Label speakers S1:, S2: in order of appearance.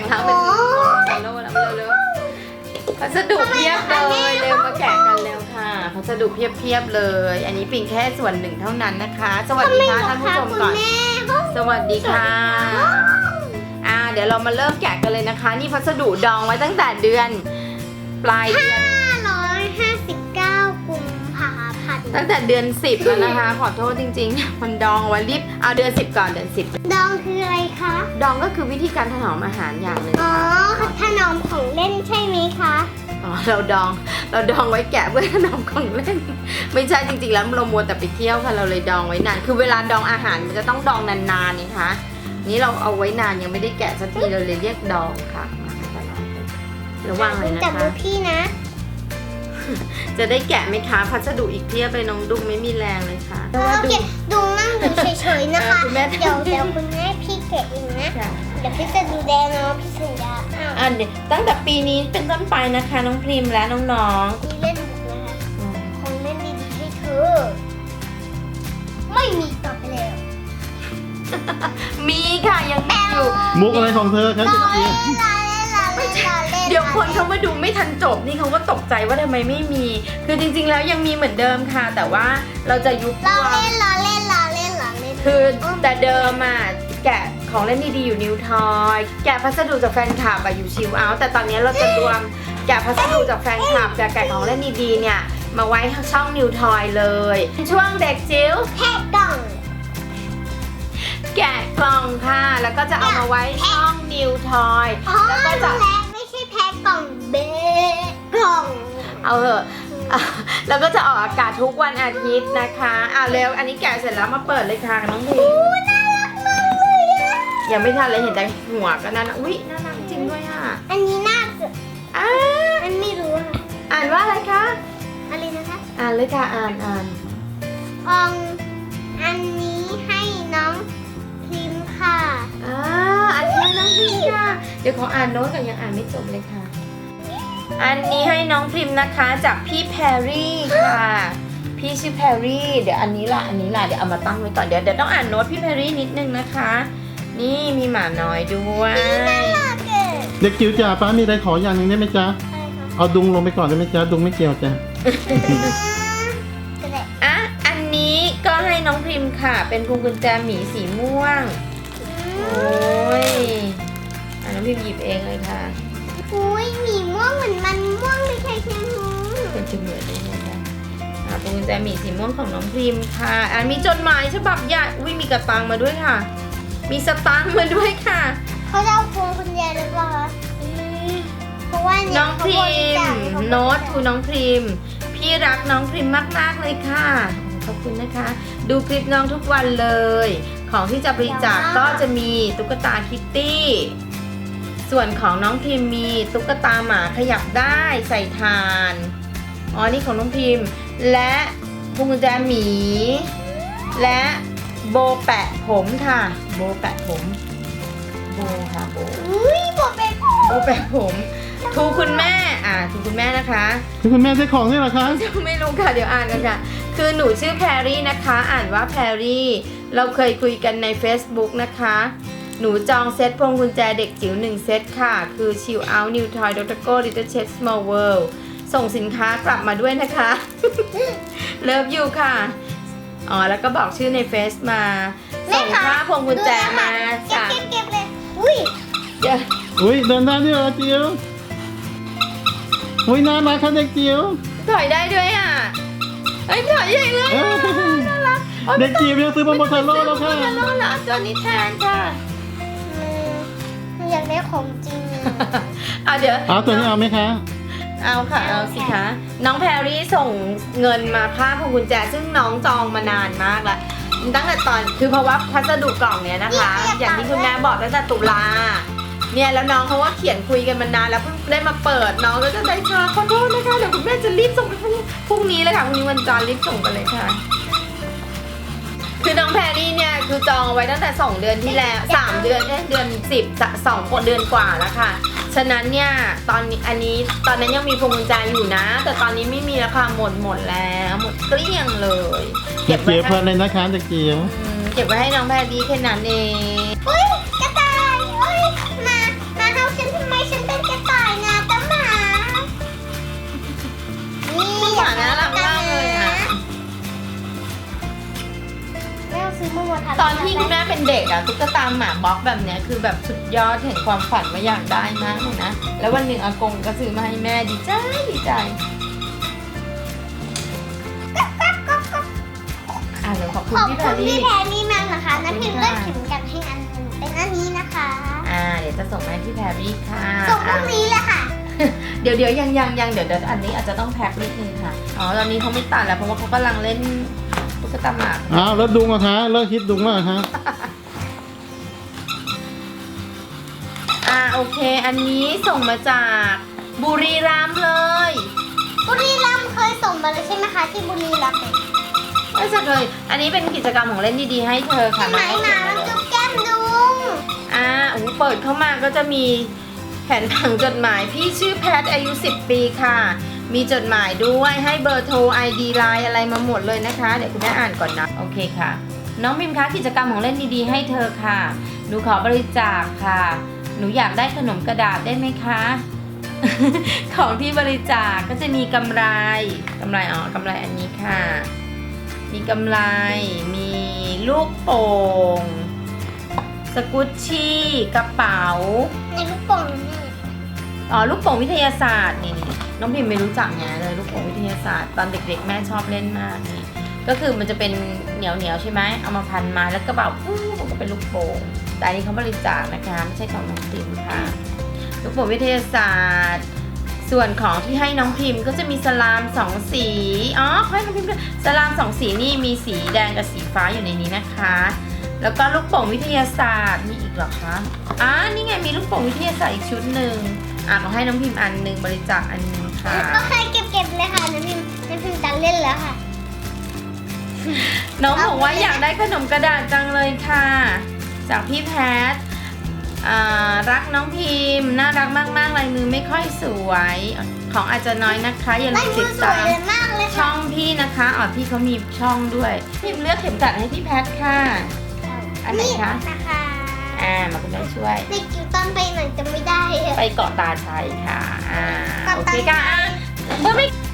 S1: ทั้งเป็นโลแล้วเร็วๆพัสดุเพียบเลยเร็วมาแกะกันเร็วค่ะพัสดุเพียบเลย อันนี้ปิ่งแค่ส่วนหนึ่งเท่านั้นนะคะ สวัสดีค่ะท่านผู้ชมก่อนสวัสดีค่ะเดี๋ยวเรามาเริ่มแกะกันเลยนะคะ นี่พัสดุดองไว้ตั้งแต่เดือนปลายเดือน
S2: 559 กุมภาพันธ์
S1: ตั้งแต่เดือน10แล้วนะคะขอโทษจริงๆมันดองไว้รีบเอาเดือน10ก่อนเดือน10
S2: ดองคืออะไรคะ
S1: ดองก็คือวิธีการถนอมอาหารอย่างหนึ่ง
S2: ถนอมของเล่นใช่ไหมคะ
S1: เราดองไว้แกะเพื่อถนอมของเล่นไม่ใช่จริงๆแล้วเรามัวแต่ไปเที่ยวค่ะเราเลยดองไว้นานคือเวลาดองอาหารมันจะต้องดองนานๆนี่คะนี่เราเอาไว้นานยังไม่ได้แกะสักทีเราเลยเรียกดองค่ะระวังเลยนะคะ
S2: จับมือพี่นะ
S1: จะได้แกะไหมคะพัสดุอีกเพียบเลยน้องดุงไม่มีแรงเลยค่ะ
S2: โอเคดุงนั่งดูเฉยๆนะคะเดี๋ยวคุณแม่พี่แกะเองนะเดี๋ยวพี่จะดูแลน้องพี่สัญญา
S1: เดี๋ยวตั้งแต่ปีนี้เป็นต้นไปนะคะน้องพริมและน้อง
S2: ๆมีเล่นบุกนะคะของเล่นดีๆให้เธอไม่มีต่อไปแล้ว
S1: มีค่ะยังมีอยู่
S3: มุกอะไรของเธอครับ
S1: เดี๋ยวคนเขามาดูไม่ทันจบนี่เขาก็ตกใจว่าทำไมไม่มีคือจริงๆแล้วยังมีเหมือนเดิมค่ะแต่ว่าเราจะยุบตัว
S2: ล้อเล่น
S1: คือแต่เดิมแกะของเล่นดีๆอยู่นิวทอยแกะพัสดุจากแฟนคลับอยู่ชิลเอาท์แต่ตอนนี้เราจะรวมแกะพัสดุจากแฟนคลับแกะของเล่นดีๆเนี่ยมาไว้ช่องนิวทอยเลยช่วงเด็กจิ๋ว
S2: แพ็คกล่อง
S1: แกะกล่องค่ะแล้วก็จะเอามาไว้ช่องนิวทอยแล้วก็จะ
S2: ไม่ใช่แพ็คกล่องเบกล่อง
S1: เอาเถอะแล้วก็จะออกอากาศทุกวันอาทิตย์นะคะเร็วอันนี้แกะเสร็จแล้วมาเปิดเลยค่ะน้องพี
S2: น่ารักมากเลย
S1: ยังไม่ทันเลยเห็นแต่หัวก็น่ารักอุ๊ยน่ารักจริงด้วย
S2: อันนี้น่าจะอันไม่รู้
S1: อ่านว่าอะไรคะ
S2: อะไรนะคะ
S1: อ่านเลยค่ะอ่าน
S2: อันนี้ให้น้องพิมพ์ค่ะ
S1: อันนี้น้องพิมพ์ค่ะเดี๋ยวขออ่านโน้ตก่อนยังอ่านไม่จบเลยค่ะอันนี้ให้น้องพิมพ์นะคะจากพี่แพรรี่ค่ะพี่ชื่อแพรรี่เดี๋ยวอันนี้ล่ะเดี๋ยวเอามาตั้งไว้ก่อนเดี๋ยวต้องอ่านโน้ตพี่แพรรี่นิดนึงนะคะนี่มีหมาน้อยด้วย
S3: เด็กจิ๋วจ๋าป้ามีอะไรขออย่างหนึ่งได้ไหมจ๊ะเอาดุงลงไปก่อนได้ไหมจ๊ะดุงไม่เกี่ยวจ้ะ
S1: อันนี้ก็ให้น้องพิมพ์ค่ะเป็นพวงกุญแจหมีสีม่วงโอ้ยน้องพิมพ์หยิบเองเลยค่ะ
S2: อุ้ยหมีม่วงเหมือนมันม่วงไม่ใช่แค่หู
S1: เป็นจุดเหมือนเลยนะคะพวงกุญแจหมีสีม่วงของน้องพิมพ์ค่ะมีจดหมายฉบับใหญ่อุ้ยมีกระตังมาด้วยค่ะมีสตางค์มาด้วยค่ะ
S2: เขาจะเอาพวงกุญแจหรือเปล่าเพราะว่า
S1: น้องพิมพ์โน้ตทูน้องพิมพ์พี่รักน้องพิมพ์มากๆเลยค่ะขอบคุณนะคะดูคลิปน้องทุกวันเลยของที่จะบริจาคก็จะมีตุ๊กตาคิตตี้ส่วนของน้องพิมพ์มีตุ๊กตาหมาขยับได้ใส่ทานนี่ของน้องพิมพ์และพวงกุญแจหมีและโบแปะผมค่ะโบแปะผมโบค่ะโบ
S2: โบแปะ
S1: ผมทูคุณแม่ทูคุณแม่นะคะ
S3: ทูคุณแม่ใช้ของนี่เหรอคะ
S1: ไม่รู้ค่ะเดี๋ยวอ่านกันค่ะคือหนูชื่อแพรรี่นะคะอ่านว่าแพรรี่เราเคยคุยกันใน Facebook นะคะหนูจองเซตพวงกุญแจเด็กจิ๋ว1เซตค่ะคือ Chill Out New Toy Dr. Go Little Chef Small World ส่งสินค้ากลับมาด้วยนะคะเลิฟยูค่ะแล้วก็บอกชื่อในเฟซมาส่งค่าพวงกุญแจมา
S2: จ้ะเก็บเลยอุ้ย
S3: เดินได้ด้วยเหรอจิ๋วน่ารักค่ะเด็กจิ๋ว
S1: ถอยได้ด้วยถอยใหญ่เลยน่ารัก
S3: เด็กจิ๋วยังซื้อมาโมเทโร่แล้วค่ะ
S1: ตัวนี้แทนค่ะ
S2: อยากได้ของจริง
S1: เดี๋ยว
S3: ตัวนี้เอาไหมคะ
S1: เอาค่ะเอาสิคะน้องแพรรี่ส่งเงินมาค่าพวงกุญแจซึ่งน้องจองมานานมากแล้วตั้งแต่ตอนคือเพราะว่าพัสดุกล่องเนี้ยนะคะอย่างที่คุณแม่บอกตั้งแต่ตุลาเนี่ยแล้วน้องเขาว่าเขียนคุยกันมานานแล้วเพิ่งได้มาเปิดน้องก็จะได้ช้าขอโทษนะคะเดี๋ยวคุณแม่จะรีบส่งไปพรุ่งนี้เลยค่ะพรุ่งนี้วันจันทร์รีบส่งไปเลยค่ะคือน้องแพรรี่เนี่ยคือจองไว้ตั้งแต่2เดือนที่แล้ว3เดือนเดือน10 2เดือนกว่าแล้วค่ะฉะนั้นเนี่ยตอนนั้นยังมีพวงกุญแจอยู่นะแต่ตอนนี้ไม่มีแล้วค่ะหมดแล้วหมดเกลี้ยงเลย
S3: เก็บไว้เพลินเลยนะคะเด็กจิ๋ว
S1: เก็บไว้ให้น้องแพรรี่แค่นั้นเอง
S2: กระต่ายมาเข้าเซ
S1: อะตุ๊กตาหมาบล็อกแบบเนี้ยคือแบบสุดยอดแห่งความฝันว่าอยากได้มากเลยนะแล้ววันหนึ่งอากงก็ซื้อมาให้แม่ดีใจดีใจเดี๋ยวขอบคุณ
S2: ขอบ
S1: พี่
S2: คุ
S1: แพร
S2: ณพี่
S1: รี่
S2: แพรรี่มากนะคะน้ำพิมพ์เลือกเข็มกัดให้อันหนึงเป็นอันนี้นะคะ
S1: เดี๋ยวจะส่งมาให้พี่แพรรี่ค่ะ
S2: ส่งพรุ่งนี้เลยค่ะ
S1: เดี๋ยวยังเดี๋ยวอันนี้อาจจะต้องแพ็คนิดนึงค่ะตอนนี้เขาไม่ตัดแล้วเพราะว่าเขากำลังเล่นตุ๊กตาหมา
S3: อ้าวแล้วดุงอะคะเลิกคิดดุงแล้วเหรอคะ
S1: โอเคอันนี้ส่งมาจากบุรีรัมย์เลย
S2: บุรีรัมย์เคยส่งมาเลยใช่ไหมคะที่บุรีรัมย์เนี่ย
S1: ไม่ใช่เลยอันนี้เป็นกิจกรรมของเล่นดีๆให้เธอค่ะ
S2: ไหนหมามันจุ๊บแก้มดุง
S1: เปิดเข้ามาก็จะมีแผ่นผังจดหมายพี่ชื่อแพทอายุ10 ปีค่ะมีจดหมายด้วยให้เบอร์โทร ID ไลน์อะไรมาหมดเลยนะคะเดี๋ยวคุณแม่อ่านก่อนนะโอเคค่ะน้องพิมพ์คะกิจกรรมของเล่นดีๆให้เธอค่ะหนูขอบริจาคค่ะหนูอยากได้ขนมกระดาษได้ไหมคะ ของที่บริจาคก็จะมีกำไรกำไรอันนี้ค่ะมีกำไรมีลูกโป่งสกุชชี่กระเป๋า
S2: ในลูกโป่งนี่
S1: ลูกโป่งวิทยาศาสตร์นี่น้องพิมไม่รู้จักไงเลยลูกโป่งวิทยาศาสตร์ตอนเด็กๆแม่ชอบเล่นมากนี่ก็คือมันจะเป็นเหนียวใช่ไหมเอามาพันมาแล้วกระเป๋ามันก็เป็นลูกโป่งแต่อันนี้เขาบริจาคนะคะไม่ใช่ของน้องพิมค่ะลูกโป่งวิทยาศาสตร์ส่วนของที่ให้น้องพิมก็จะมีสลาม2 สีเขาให้น้องพิมด้วยสลาม2 สีนี่มีสีแดงกับสีฟ้าอยู่ในนี้นะคะแล้วก็ลูกโป่งวิทยาศาสตร์มีอีกเหรอคะนี่ไงมีลูกโป่งวิทยาศาสตร์อีกชุดหนึ่งขอให้น้องพิมอันหนึ่งบริจาคอันนึงค่ะ
S2: ก็เคยเก็บเลยค่ะน้ำพิมจะเล่นแล้วค่ะ
S1: น้องบอกว่าอยากได้ขนมกระดาษจังเลยค่ะ จากพี่แพทรักน้องพิมพ์น่ารักมากๆลายมือไม่ค่อยสวยของอาจจะน้อยนะคะอย่าลื
S2: ลาย
S1: ม
S2: มื
S1: ติ
S2: อ
S1: ด
S2: สว
S1: ตาย ม
S2: เลยมากเลย
S1: ช่
S2: ค่ะ
S1: องพี่นะคะพี่เขามีช่องด้วยพิมพ์เลือกเข็มกัดให้พี่แพทค่ะ อันไหนคะ
S2: นะคะ
S1: มาคุณแม่ช่วย
S2: ในจิ๋วตอนไปหน่อยจะไม่ได้
S1: ไปเกาะตาชัยค่ะโอ
S2: เกาะตา
S1: เค
S2: ชั
S1: ค่ะ
S2: ย
S1: เมื่อไม่